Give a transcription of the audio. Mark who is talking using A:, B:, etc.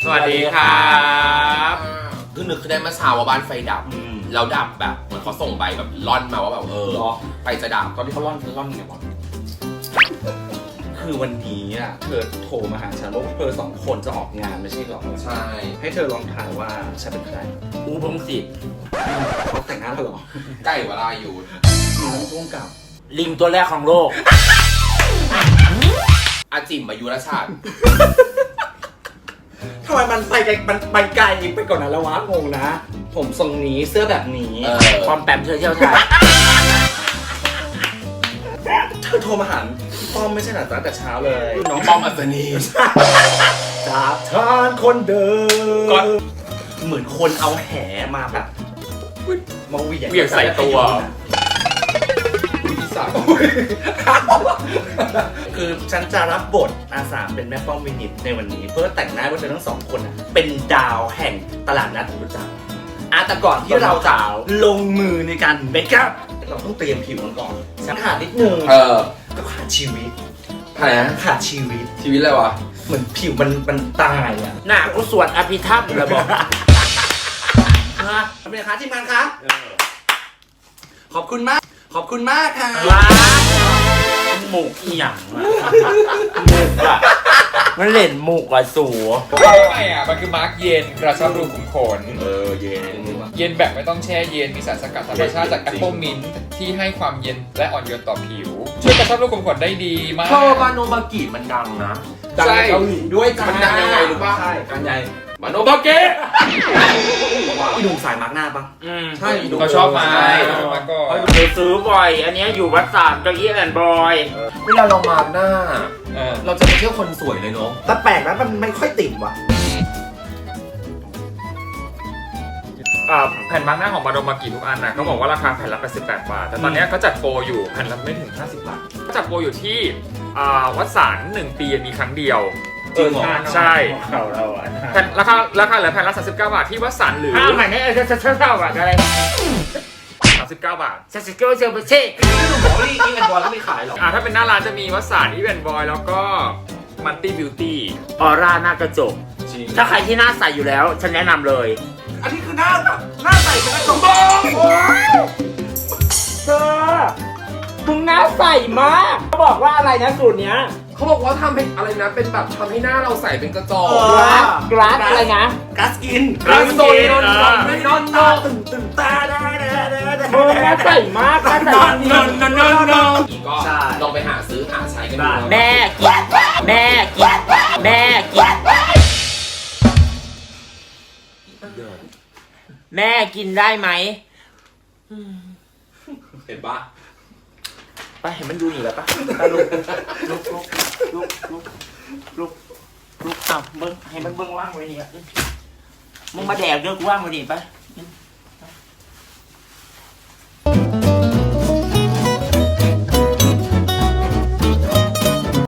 A: สวัสดีครับ
B: คือนึกขึ้นได้เมื่อเช้าว่าบ้านไฟดับแล้วดับแบบเหมือนเขาส่งใบแบบร่อนมาว่าแบบไฟจะดับ
A: ตอนที่เขาล่อนไงวะคือวันนี้อ่ะเธอโทรมาหาฉันว่าเธอสองคนจะออกงานไม่ใช่หรอ
B: ใช่
A: ให้เธอลองทายว่าฉันเป็นใคร
C: อูพงศิษฐ์
A: เขาแต่งหน้าแล้วหรอ
B: ใกล้วราอยู่
A: มีน้องพ่วงกับ
C: ลิงตัวแรกของโลก
B: อาจิมมายุรชาติ
A: ทำไมมันไปไกลมันไกลไปก่อนนั้นแล้ววะงงนะ ผมทรงนี้เสื้อแบบนี้
C: ความแปมเธอเที่ยวไทย
A: เธอโทรมาหาพี่ป้อมไม่ใช่หรอตั้งแต่เช้าเลย
B: น้องป้อมอัศนี
A: จากทานคนเดิ
B: ก็
A: มเหมือนคนเอาแหมาแบบมาเหวี่ยง
C: ใส่ตัว
A: คือฉันจะรับบทอาสาเป็นแม่ป้อมวินิตในวันนี้ เพื่อแต่งหน้าว่าเธอทั้งสองคนเป็นดาวแห่งตลาดนัดรู้จักแต่ก่อนที่เราจะลงมือในการเมคอัพเราต้องเตรียมผิวกันก่อนฉันขาดนิดนึงก็ขาดชีวิต
B: อะไรนะ
A: ขาดชีวิต
B: ชีวิตอะไรวะ
A: เหมือนผิวมันตายอ่ะ
C: หน้ากูสวดอภิธรรมเลยบอก
A: เป็นไงคะทีมงานคะขอบคุณมากค่ะ
C: ว้าหมูกอีหยังหมูกอะมันเล่นหมูกอะสู
D: ไม่อ่ะมันคือมาร์กเย็นกระชับรูขุมขน
A: เย็น
D: เย็นแบบไม่ต้องแช่เย็นมีสารสกัดธรรมชาติจากแอปเปิลมินท์ที่ให้ความเย็นและอ่อนโยนต่อผิว ช่วยกระชับรูขุมขนได้ดีมาก
B: โทบาโนบากิมันดังนะ
A: ดังในเกาหลีด้วยจ้า
B: มันดังยังไงรู้ป่ะ
A: ใช่กันใหญ่
B: บาโนบากิ
A: พี่หนุ่มสายมาร์กหน้าปะ
B: ใช่
D: เขาชอบมา
A: ใช่
D: เขาชอบมาก่อน
C: เคยซื้อบ่อย อันเนี้ยอยู่วัดสามเก้าอี้แอนบอย
B: เวลาเรามาร์กหน้า
D: เออ
B: เราจะไปเที่ยวคนสวยเลยเนาะ
A: แต่แปลกนะมันไม่ค่อยติ่มว่ะ
D: แผ่นมาร์กหน้าของบาโดมากิทุกอันนะก็บอกว่าราคาแผ่นละ88 บาท แต่ตอนเนี้ยเขาจัดโปรอยู่แผ่นละไม่ถึง50 บาทเขาจัดโปรอยู่ที่วัดสาร1 ปีมีครั้งเดียว
A: จริงเหรอ
D: ใช่
A: เขาเราอ่ะ
D: แผ่นราคาเหลือแผ่นละ39 บาทที่วัดสารหรือ
C: อ้าวใหม่เนี่ยเท่าอะไร
D: 39 บาท
C: เซสเกิลเซลเบเช่
A: พี่หนุ่มบอกว่าอีแอนบอยก็ไม่ขายหรอก
D: ถ้าเป็นหน้าร้านจะมีวัดสารอีเวนต์บอยแล้วก็มันตี้บิวตี้
C: ออร่าหน้ากระจก ถ้าใครที่หน้าใสอยู่แล้ว ฉันแนะนำเลย
A: อันนี้คือหน้าใสเป็นกระจก
C: เธอมึงหน้าใสมากเขาบอกว่าอะไรนะสูตรเนี้ย
B: เขาบอกว่าทำให้อะไรนะเป็นแบบทำให้หน้าเราใสเป็นกระจก
C: กราสอะไรนะ
A: กัสกิน
C: Glass Skin
A: ไม่นอนตาตึงตาได้
C: มึงหน้าใสมากหน้าใส
B: อีกก็ลองไปหาซื้อหาใช้กันดู
C: แม่กิน แม่กิน แม่กิน แม่กินได้ไหม
B: เห็นปะ
C: ไปเห็นมันดูหนีแล้วปะไปลุกอ้าวเบิ้งให้มันเบิ้งว่างไว้นี่อะมึงมาแดกเด้อกูว่างไว้นี่ไป